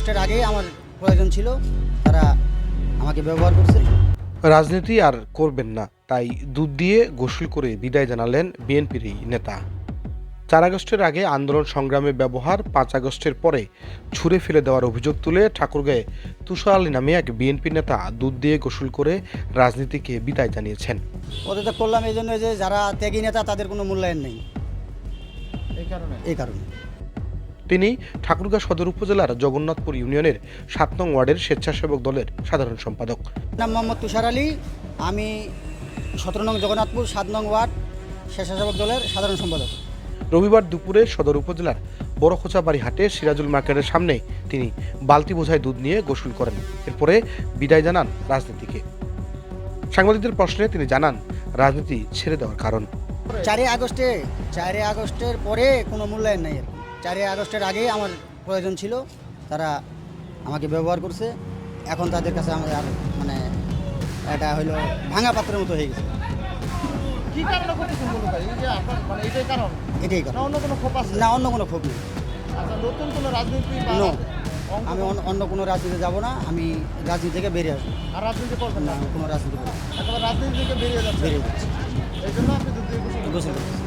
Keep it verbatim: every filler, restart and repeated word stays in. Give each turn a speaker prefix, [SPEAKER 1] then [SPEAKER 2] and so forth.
[SPEAKER 1] আগস্টের আগেই আমার প্রয়োজন ছিল, তারা আমাকে ব্যবহার করছে।
[SPEAKER 2] রাজনীতি আর করবেন না, তাই দুধ দিয়ে গোসল করে বিদায় জানালেন বিএনপির এই নেতা। চার আগস্টের আগে আন্দোলন সংগ্রামে ব্যবহার, পাঁচ আগস্টের পরে ছুঁড়ে ফেলে দেওয়ার অভিযোগ তুলে ঠাকুরগাঁয়ে তুষার আলী নামে এক বিএনপি নেতা দুধ দিয়ে গোসল করে রাজনীতিকে বিদায় জানিয়েছেন।
[SPEAKER 1] পদত্যাগ করলাম এই জন্য যে যারা ত্যাগী নেতা তাদের কোনো মূল্যায়ন নেই, এই কারণে এই কারণে
[SPEAKER 2] তিনি ঠাকুরগাঁ সদর উপজেলার জগন্নাথপুর ইউনিয়নের সাত নং ওয়ার্ডের স্বেচ্ছাসেবক দলের সাধারণ সম্পাদক।
[SPEAKER 1] নাম মোহাম্মদ তুষার আলী, আমি সতেরো নং জগন্নাথপুর সাত নং ওয়ার্ড স্বেচ্ছাসেবক দলের সাধারণ সম্পাদক।
[SPEAKER 2] রবিবার দুপুরে সদর উপজেলার বড়খোঁচাবাড়ি হাটে সিরাজুল মার্কেটের সামনে তিনি বালতি বোঝায় দুধ নিয়ে গোসল করেন। এরপরে বিদায় জানান রাজনীতিকে। সাংবাদিকদের প্রশ্নে তিনি জানান রাজনীতি ছেড়ে দেওয়ার কারণ।
[SPEAKER 1] চারই আগস্টে চারই আগস্টের পরে কোনো মূল্যায়ন নেই আর কি। চারই আগস্টের আগেই আমার প্রয়োজন ছিল, তারা আমাকে ব্যবহার করছে। এখন তাদের কাছে আমাদের আর মানে এটা হলো ভাঙা পাত্রের মতো হয়ে গেছে।
[SPEAKER 3] কি কারণে করতেছেন বলুন ভাই? এই যে আপনার মানে এটাই কারণ,
[SPEAKER 1] এটাই কারণ,
[SPEAKER 3] না অন্য কোনো ক্ষোভ আছে?
[SPEAKER 1] না অন্য কোনো ক্ষোভ নেই।
[SPEAKER 3] আচ্ছা, নতুন কোনো রাজনীতি বা
[SPEAKER 1] নো,
[SPEAKER 3] অঙ্ক-
[SPEAKER 1] আমি অন্য- অন্য কোনো রাজনীতিতে যাব না, আমি রাজনীতি থেকে বেরিয়ে আসবো।
[SPEAKER 3] আর রাজনীতি করবেন
[SPEAKER 1] না,
[SPEAKER 3] না?
[SPEAKER 1] আমি কোনো রাজনীতি করবো না।
[SPEAKER 3] একেবারে রাজনীতি থেকে বেরিয়ে যাচ্ছে,
[SPEAKER 1] বেরিয়ে যাচ্ছি,
[SPEAKER 3] এই জন্য আপনি দুধ দিয়ে গোসল করছেন।
[SPEAKER 1] গোসল করছি।